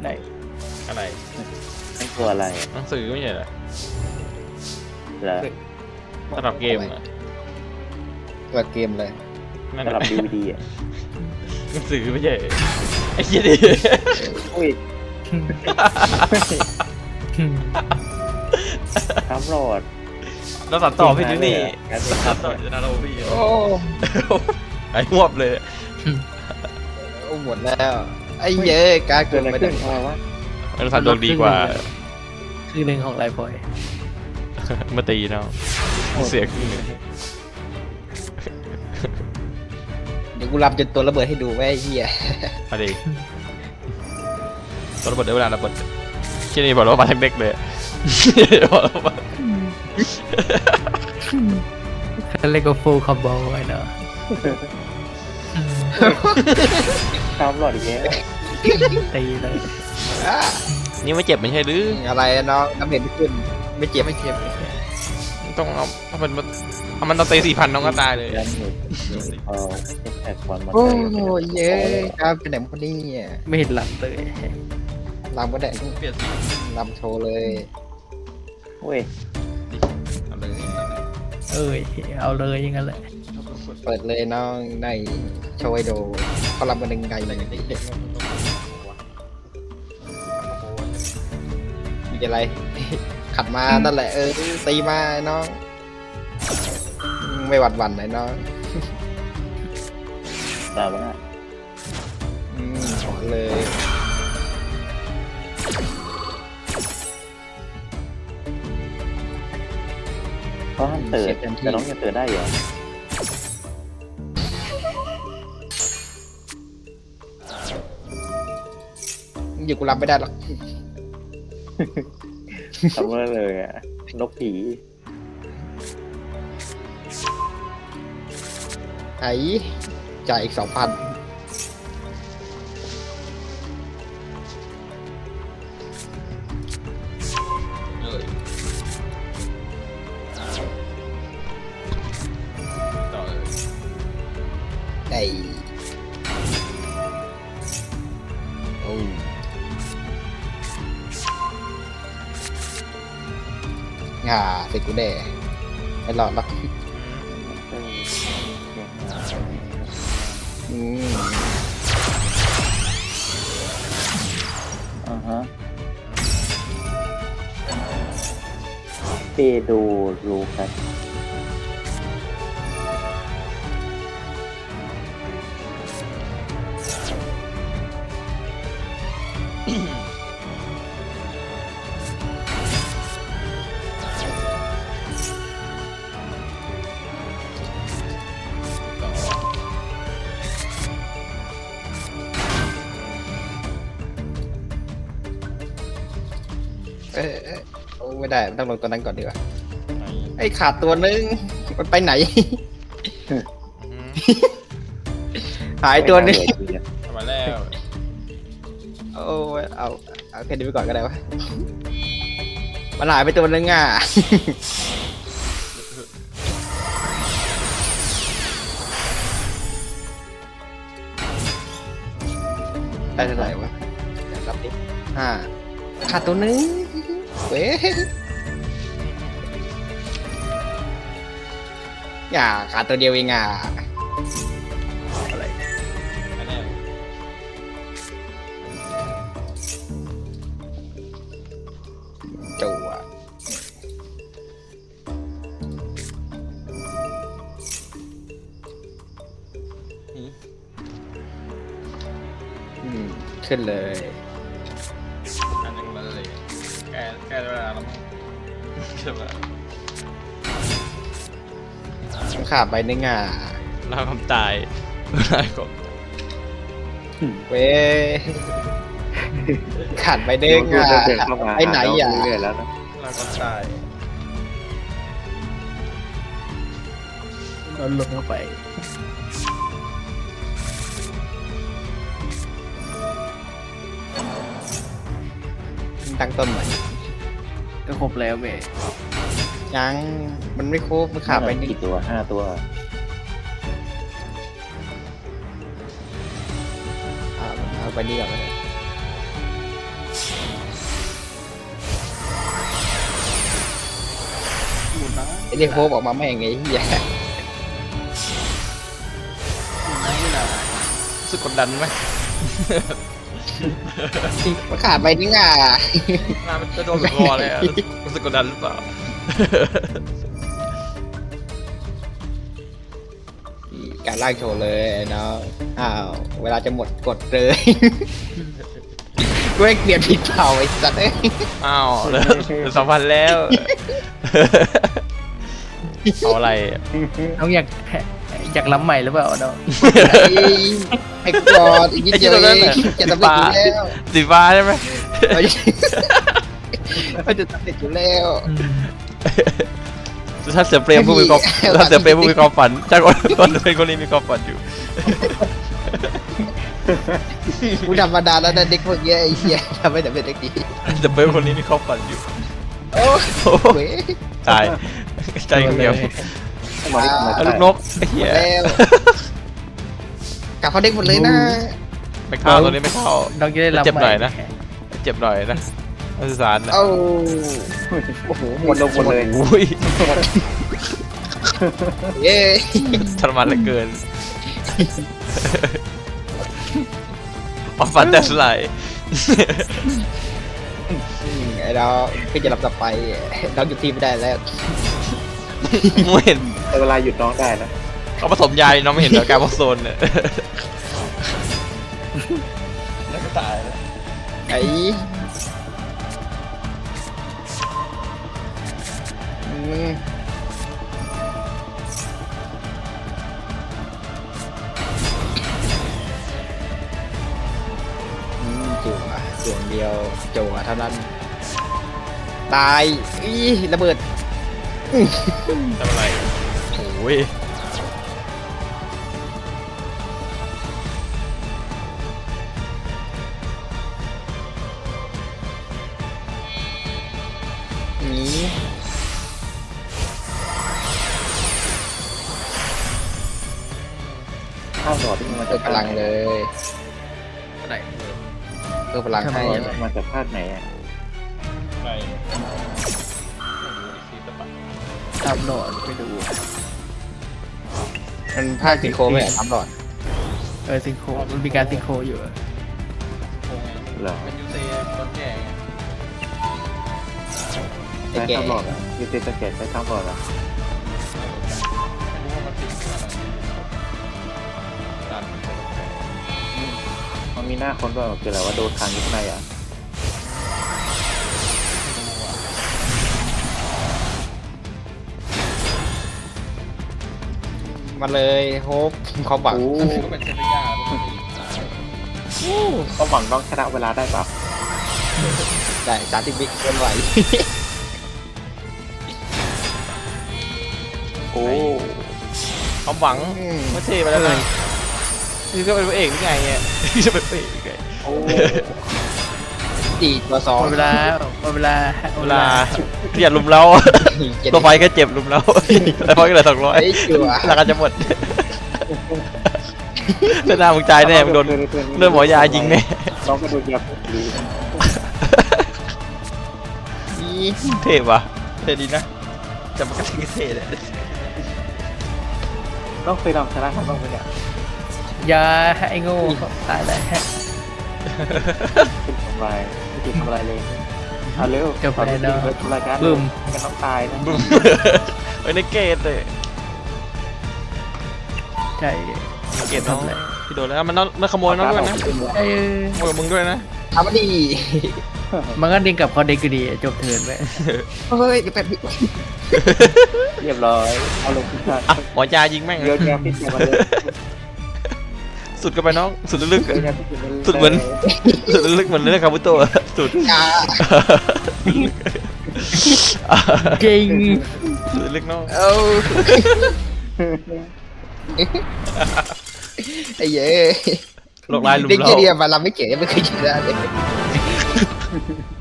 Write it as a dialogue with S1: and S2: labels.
S1: ไหน
S2: อะไร
S3: นั่นตัวอะไร
S2: หนังสือไม่ใช่เหรอ
S3: เหรอ
S2: สำหรับเกมเหรอ
S4: ตัวเกมเลย
S2: นั่น
S3: สำหรับ
S2: แหละ
S3: DVD อ่ะ
S2: หนังสือไม่ใช่ไอ้เหี้ยดิ
S3: อุ้ยครับโหลด
S2: เราตัดต่อพี่ดูนี่
S3: งั้น
S2: ตัดต่อจะน่าเราพี่
S4: โอ้
S2: ไอ้หวบเลย
S4: หมดแล้วไอ้เย้ยการ
S3: เกิ
S4: เกิ
S3: ด
S4: น
S3: อะไร
S4: ไป
S3: ขึ้
S4: ได้
S3: นทำไมวะ
S2: เราตัดดวงดีกว่า
S1: คือหนึ่งของไลฟ์พอย
S2: มาตีเนาะเสียครึ่งหนึ่ง
S4: เดี๋ยวกูรับจนตัวระเบิดให้ดูไว้ไอ้เหี้ย
S2: มาดิตอนระเบิดได้เวลาระเบิดแค่นี้บอกแล้วว่ามาทั้งเด็กเลยบอกแล้วว่า
S1: เขาเรียกว่าฟูลคอมโบไว้เนาะ
S3: ครับโหลดอีกแล้ว
S1: ตีเลย
S2: นี่ไม่เจ็บไม่ใช่หรือ
S4: อะไรน้องน้ำเห็นไม่ขึ้นไม่เจ็บ
S1: ไม่เจ็บไม่เจ็บ
S2: ต้องเอาถ้ามันต้องตี4,000น้องก็ตายเลย
S3: ยันหนึ่งเอาแท็กวันมา
S4: โอ้
S3: ใส่
S4: ยเย้ยการเป็นไหนพอดีเนี่ย
S1: ไม่เห็นหลังเลย
S4: ลำก็ได้
S2: เปลี่ยนสี
S4: ลำโชว์เลย
S3: เว้ย
S2: เอาเลย
S1: เอ้ยเอาเลยอยังงั้นแหละ
S4: เปิดเลยน้องในโชว์ให้ดูเขาลำกันยังไงเลยมีอะไร ขัดมานั่นแหละตีมาไอ้น้องไม่หวั่นหวั่นไหนน้อง
S3: ตามมา
S4: ขอเลย
S3: เขาห้ามเตือนแต่น้องยังเตือนได้เหรอ
S4: อยู่กูรับไม่ได้หรอก
S3: ทำอะไรเลยอ่ะนกผี
S4: ไอ้จ่ายอีก 2,000
S2: ต่อเลย
S4: ไอ้โอ้ง่าเสร็จกูแน่ไม่รอดหรอกอืม
S3: อ่าฮะเปโดรูครับ
S4: โอ้ไม่ได้ต้องลงตัวนั้นก่อนดีกว่าไอ้ขาดตัวนึงมันไปไหน หายตัวนึง
S2: มาแล้ว
S4: โอ้ยเอาแค่นี้ไปก่อนก็ได้วะมันหายไปตัวนึงอ่ะ ได้เท่าไหร่วะเดี๋ยวรับดิขาดตัวนึงเว้ยอย่าขาดตัวเดียวเองอ่ะอะไร
S2: มาแล้ว
S4: จั่วขึ้นเลย
S2: อันนึงเลยแกเวลาแล้วมั้งใช่ปะ
S4: ต้องขาดใบนึงอ่ะ
S2: ลาความตายลาความ
S4: เว้ยขาดใบนึงอ่ะไปไหนอ่ะ
S3: เรื่อยๆแล้วนะ
S2: ลาความตาย
S1: เราลงเข้าไป
S4: ตั้งต้นใหม่
S1: ก็ครบแล้วเว้ย
S4: ยังมันไม่ครบมันขาดใบนึง
S3: กี่ตัว5 ตัว
S4: เอาใบนี้ก่อนเลยไอ้เด็กโฟบออกมาแม่งไงเหี้ย
S2: รู้สึกกดดันไหม
S4: มันขาดไปนี่ง่า
S2: หน้ามันจะโดนคอเลยอะรู้สึกกดดันหรือเปล่า
S4: การล่างโชว์เลยเนาะอ้าวเวลาจะหมดกดเลย กูให้เปลี่ยนผิดเผาไอ้สัตว์เอ้ย
S2: อ้าวแล้ว2,000แล้ว เอาอะไรอะ
S1: น้องอยากล้ำใหม่หรือเปล่าน้อง
S4: ไอ้กอดอีกนิดเดียวเองจะสำเร็จอยู่แล้ว
S2: สีฟ้าใช่ไหม
S4: มันจะสำเร็จอยู่แล้ว
S2: ถ้าเสือเปรมผู้มีความถ้าเสือเปรมผู้มีความฝันจ้าคนเป็นคนนี้มีความฝันอยู่
S4: กูธรรมดาแล้วนะเด็กพวกเนี้ยไอ้เหี้ยทำไม่สำเร็จสักที
S2: เสือเปรมคนนี้มีความฝันอยู่
S4: โอ้โห
S2: ตายใจเดียว
S3: มาดิมา
S2: เอาลูกนกไอ้เหี้ย
S4: แล้วกลับเขาเด็กหมดเลยนะ
S2: ไม่เข้าตัวนี้ไม่เข้า
S1: น้องจะได้ล้ำ
S2: เจ็บ
S1: ให
S2: หน่
S1: ม่
S2: อยนะ เจ็บหน่อยนะนักศึกษานะ
S4: เอ้า
S3: โอ้โหหมดลงหมดเลย
S2: อุ้ย
S4: เย้
S2: ทรมานเหลือเกินความฝันแต่สลาย
S4: ไอ้เราพี่จะรับต่อไปเราหยุดทีมไม่ได้แล้ว
S2: ไม่เห็น
S3: แต่เวลาหยุดน้องได้นะ
S2: เขาผสมยาน้องไม่เห็นเหรอการผสมเนี่ยแล้วก็ตายแล้ว
S4: ไอ้อืมจั่วจั่วเดียวจั่วเท่านั้นตายอีระเบิด
S2: ทำอะไรโอ้ย
S4: นี่
S3: ข้าวหลอดที่มันมา
S4: เพิ่
S3: จาก
S4: มพลังเลย
S1: อะไร
S4: เพิ่มพลังให้
S3: มาจากภาคไหนอ่ะ
S2: ไป
S1: ตามโหนดไปดู
S4: มันภาคซิงโครไหมทำหลอด
S1: ซิงโครมันมีการซิงโครอยู่อะ
S3: เหรอ
S2: เป็นยูเซคนแก่ไง
S4: ไอ้
S3: ใช้
S4: แก่
S3: ข้าวหลอดอ่ะยูเซสเกตใช้ข้าวหลอดอ่ะ
S2: ไม่รู้ว่ามันติดขึ้นอะไรตาม
S3: มันมีหน้าคนด้วยคืออะไรว่าโดนทางยุคในอ่ะ
S4: มาเลยโฮปเขาบัง
S3: โอ้
S2: ก็เป็นเซนติยาปกติ
S3: ก็หวังน้องชนะเวลาได้ปะ
S4: ได้30 วิเคลื่อนไหว
S3: โอ้
S2: ความหวังไม่เทไปแล้วนะนี่ก็เป็นพระเอกนี่ไงเนี่ยนี่จะเป็นพระเอกนี่ไง
S3: โอ้
S4: 4 ตัว
S1: หมดเวลาหมดเวลา
S2: เวลาเกลียดลุมเรา
S4: 2
S2: ตัวไฟก็เจ็บลุมเราแล้วไฟก็เหลือ200
S4: ไอ้จั่ว
S2: ราคาจะหมดเส้นหน้ามึงตายแน่มึงโดนเลือดหมอยายิงแน่
S3: น้องก็โดนยาดี
S4: นี่
S2: เท่ว่ะเท่ดีนะแต่มันก็เท่เลย
S3: น้องเคยลองชนะเขาบ้างไหมเนี่ย
S1: ยาไอ้โง่ตายแล้ว
S3: เป็นทำลายไม่ถูกทำลายเลยเอาเร็วทำลายกัน
S1: บึ้ม
S3: กันน้องตายนะ
S2: บึ้มไว้ในเกตเลย
S1: ใช่
S2: เกตน้องพี่โดนแล้วมันขโมยน้องด้วยนะ
S1: ไอ้
S2: ขโมยกับมึงด้วยนะ
S4: ทำมาดี
S1: มันก็ดึงกลับเขาเด็กก็ดีจบเทิร์นไป
S4: เฮ้ยเดี๋ยวแป๊บนึง
S3: เรียบร้อยเอาลงพิซซ่า
S2: อ่ะหมอยายิงแม่ง
S3: เยอะแยะพิซซ่ามาเลย
S2: สุดกันไปน้องสุดลึก
S3: เยอะแยะพิซซ่ามาเลย
S2: สุดเหมือนเหมือนเรื่องคาบุโตะสุด
S4: จ้า
S1: จริง
S2: สุดลึกน้อง
S4: เอ้าไอ้เย้
S2: โลกลายลุม
S4: เด็ก
S2: เรา
S4: เดียวมาลำไม่เก๋ไม่เคยชนะเลย